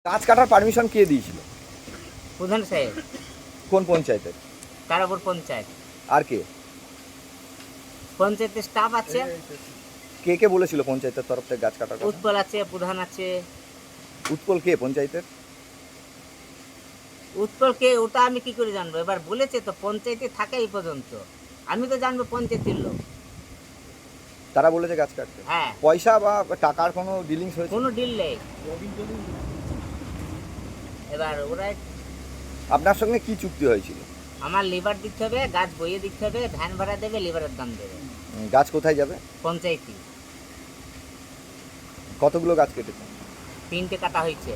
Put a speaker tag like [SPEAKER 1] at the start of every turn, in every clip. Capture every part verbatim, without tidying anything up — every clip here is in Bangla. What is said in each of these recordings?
[SPEAKER 1] গাছ কাটার পারমিশন কে দিয়েছিল?
[SPEAKER 2] প্রধান সাহেব।
[SPEAKER 1] কোন পঞ্চায়েতের?
[SPEAKER 2] তারাপুর পঞ্চায়েত।
[SPEAKER 1] আর কে
[SPEAKER 2] পঞ্চায়েতের স্টাফ আছে,
[SPEAKER 1] কে কে বলেছিল পঞ্চায়েতের তরফ থেকে গাছ কাটার কথা?
[SPEAKER 2] উৎপল আছে, প্রধান আছে।
[SPEAKER 1] উৎপল কে পঞ্চায়েতের?
[SPEAKER 2] উৎপলকে ওটা আমি কি করে জানবো? এবার বলেছে তো পঞ্চায়েতে থাকে এই পর্যন্ত, আমি তো জানবো পঞ্চায়েতের লোক।
[SPEAKER 1] তারা বলেছে গাছ কাটতে।
[SPEAKER 2] হ্যাঁ,
[SPEAKER 1] পয়সা বা টাকার কোনো ডিলিংস হয়েছে?
[SPEAKER 2] কোনো ডিল নেই। এবার ওরা
[SPEAKER 1] আপনার সঙ্গে কি চুক্তি হয়েছিল?
[SPEAKER 2] আমার লিভার দিতে হবে, গাছ বইয়ে দিতে হবে, ভ্যান ভাড়া দেবে, লিভারের দাম দেবে।
[SPEAKER 1] উম, গাছ কোথায় যাবে?
[SPEAKER 2] পঞ্চায়েতই।
[SPEAKER 1] কতগুলো গাছ কেটেছে?
[SPEAKER 2] তিনটে কাটা হয়েছে।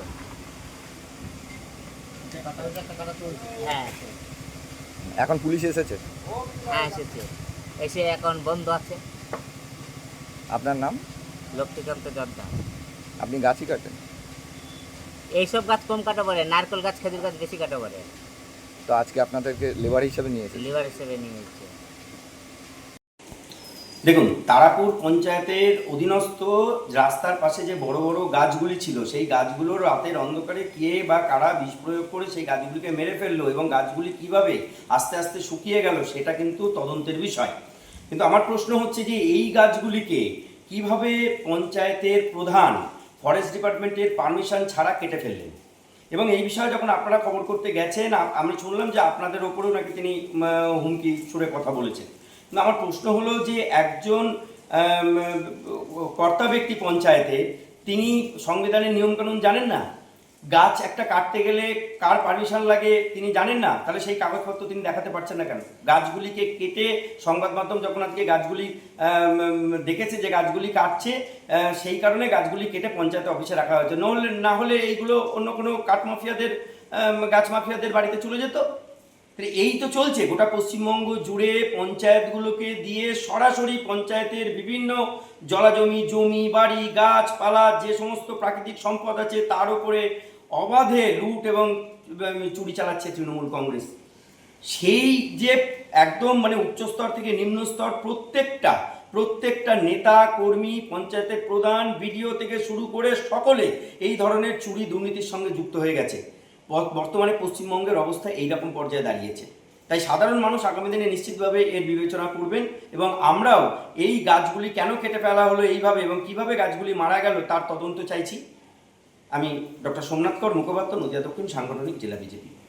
[SPEAKER 2] হ্যাঁ
[SPEAKER 1] এখন পুলিশ এসেছে?
[SPEAKER 2] হ্যাঁ এসেছে, এসে এখন বন্ধ আছে।
[SPEAKER 1] আপনার নাম?
[SPEAKER 2] লক্ষ্মীকান্ত জর্দা।
[SPEAKER 1] আপনি গাছই কাটেন?
[SPEAKER 2] এইসব গাছ কম কাটা পড়ে, নারকেল গাছ, খেজুর গাছ বেশি কাটা পড়ে।
[SPEAKER 1] তো আজকে আপনাদেরকে লেবার হিসাবে নিয়ে এসেছে?
[SPEAKER 2] লিভার হিসেবে নিয়ে এসেছে।
[SPEAKER 3] দেখুন, তারাপুর পঞ্চায়েতের অধীনস্থ রাস্তার পাশে যে বড় বড় গাছগুলি ছিল, সেই গাছগুলোর রাতের অন্ধকারে কে বা কারা বিষ প্রয়োগ করে সেই গাছগুলিকে মেরে ফেললো এবং গাছগুলি কিভাবে আস্তে আস্তে শুকিয়ে গেল সেটা কিন্তু তদন্তের বিষয়। কিন্তু আমার প্রশ্ন হচ্ছে যে এই গাছগুলিকে কিভাবে পঞ্চায়েতের প্রধান ফরেস্ট ডিপার্টমেন্টের পারমিশন ছাড়া কেটে ফেললেন, এবং এই বিষয়ে যখন আপনারা খবর করতে গেছেন আমি শুনলাম যে আপনাদের ওপরেও নাকি তিনি হুমকি সুরে কথা বলেছেন। না, আমার প্রশ্ন হলো যে একজন কর্তা ব্যক্তি পঞ্চায়েতে, তিনি সংবিধানের নিয়মকানুন জানেন না? গাছ একটা কাটতে গেলে কার পারমিশন লাগে তিনি জানেন না? তাহলে সেই কাগজপত্র তিনি দেখাতে পারছেন না কেন? গাছগুলিকে কেটে সংবাদ মাধ্যম যখন আজকে গাছগুলি দেখেছে যে গাছগুলি কাটছে, সেই কারণে গাছগুলি কেটে পঞ্চায়েত অফিসে রাখা হয়েছে। নহলে না হলে এইগুলো অন্য কোনো কাঠ মাফিয়াদের, গাছ মাফিয়াদের বাড়িতে চলে যেত। এই তো চলছে গোটা পশ্চিমবঙ্গ জুড়ে, পঞ্চায়েতগুলোকে দিয়ে সরাসরি পঞ্চায়েতের বিভিন্ন জলাজমি, জমি, বাড়ি, গাছপালা, যে সমস্ত প্রাকৃতিক সম্পদ আছে তার উপরে অবাধে লুট এবং চুরি চালাচ্ছে তৃণমূল কংগ্রেস। সেই যে একদম মানে উচ্চস্তর থেকে নিম্ন স্তর প্রত্যেকটা প্রত্যেকটা নেতা কর্মী, পঞ্চায়েতের প্রধান, বিডিও থেকে শুরু করে সকলে এই ধরনের চুরি দুর্নীতির সঙ্গে যুক্ত হয়ে গেছে। বর্তমানে পশ্চিমবঙ্গের অবস্থা এইরকম পর্যায়ে দাঁড়িয়েছে। তাই সাধারণ মানুষ আগামী দিনে নিশ্চিতভাবে এর বিবেচনা করবেন, এবং আমরাও এই গাছগুলি কেন কেটে ফেলা হলো এইভাবে এবং কিভাবে গাছগুলি মারা গেল তার তদন্ত চাইছি। আমি ডক্টর সোমনাথ কর, মুখপাত্র, নদিয়া দক্ষিণ সাংগঠনিক জেলা বিজেপি।